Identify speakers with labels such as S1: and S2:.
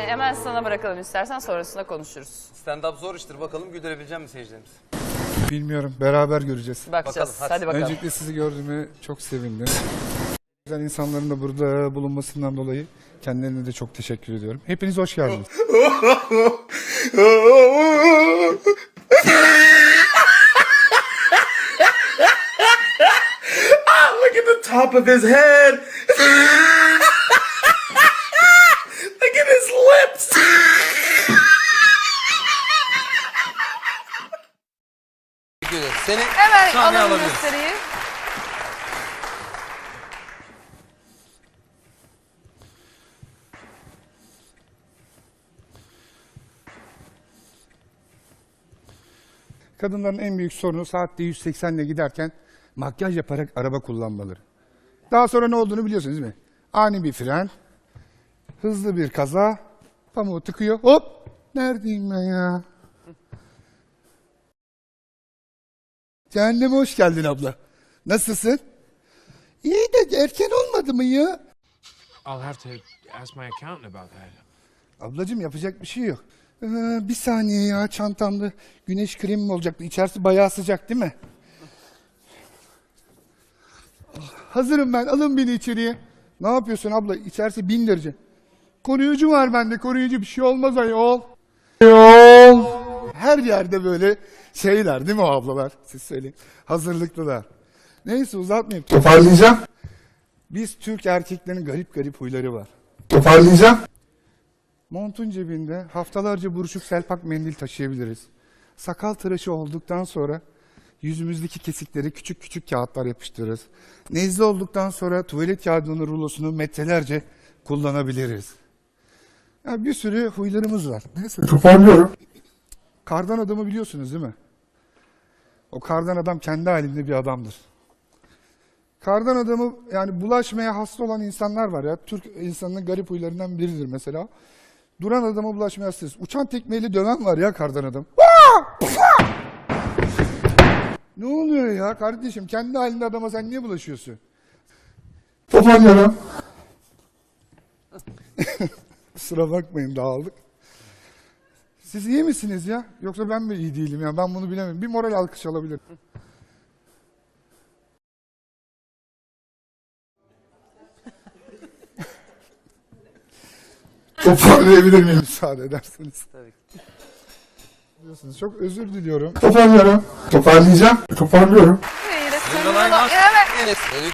S1: hemen sana bırakalım istersen, sonrasında konuşuruz.
S2: Stand-up zor iştir. Bakalım güldürebilecek mi seyircilerimiz?
S3: Bilmiyorum. Beraber göreceğiz.
S1: Bakacağız.
S2: Bakalım,
S1: hadi bakalım.
S3: Öncelikle sizi gördüğüme çok sevindim. Güzel insanların da burada bulunmasından dolayı kendilerine de çok teşekkür ediyorum. Hepiniz hoş geldiniz.
S4: Look at the top of his head. Look at his lips.
S2: Teşekkür ederiz. Seni
S1: Hemen
S2: sahneye
S1: alalım
S2: alabiliriz.
S1: gösteriyi.
S3: Kadınların en büyük sorunu saatte 180 ile giderken makyaj yaparak araba kullanmaları. Daha sonra ne olduğunu biliyorsunuz değil mi? Ani bir fren, hızlı bir kaza, pamuğu tıkıyor, hop! Neredeyim ben ya? Cehenneme hoş geldin abla. Nasılsın? İyi de erken olmadı mı ya?
S5: I'll have to ask my accountant about that.
S3: Ablacığım yapacak bir şey yok. Bir saniye ya, çantamda güneş kremi olacaktı. İçerisi bayağı sıcak değil mi? Hazırım ben, alın beni içeriye. Ne yapıyorsun abla? İçerisi 1000 derece. Koruyucu var bende, koruyucu, bir şey olmaz ayol. Her yerde böyle şeyler değil mi o ablalar? Siz söyleyin. Hazırlıklılar. Neyse uzatmayayım.
S4: Toparlayacağım.
S3: Biz Türk erkeklerin garip garip huyları var.
S4: Toparlayacağım.
S3: Montun cebinde haftalarca buruşuk selpak mendil taşıyabiliriz. Sakal tıraşı olduktan sonra yüzümüzdeki kesikleri küçük küçük kağıtlar yapıştırırız. Nezle olduktan sonra tuvalet kağıdının rulosunu metrelerce kullanabiliriz. Ya bir sürü huylarımız var. Neyse.
S4: Toparlıyorum.
S3: Kardan adamı biliyorsunuz değil mi? O kardan adam kendi halinde bir adamdır. Kardan adamı, yani bulaşmaya hasta olan insanlar var ya. Türk insanının garip huylarından biridir mesela. Duran adama bulaşmaya hastayız. Uçan tekmeyle döven var ya kardan adam. Ne oluyor ya kardeşim? Kendi halinde adama sen niye bulaşıyorsun?
S4: Toparlıyorum.
S3: Kusura bakmayın, dağıldık. Siz iyi misiniz ya? Yoksa ben mi iyi değilim ya? Ben bunu bilemem. Bir moral alkış alabilirim.
S4: Toparlayabilir miyim?
S3: Müsaade ederseniz.
S2: Tabii ki.
S3: Biliyorsunuz, çok özür diliyorum.
S4: Toparlıyorum. Toparlayacağım. Toparlıyorum.
S1: Yine
S2: Linda Line
S1: Evet.
S2: Enes.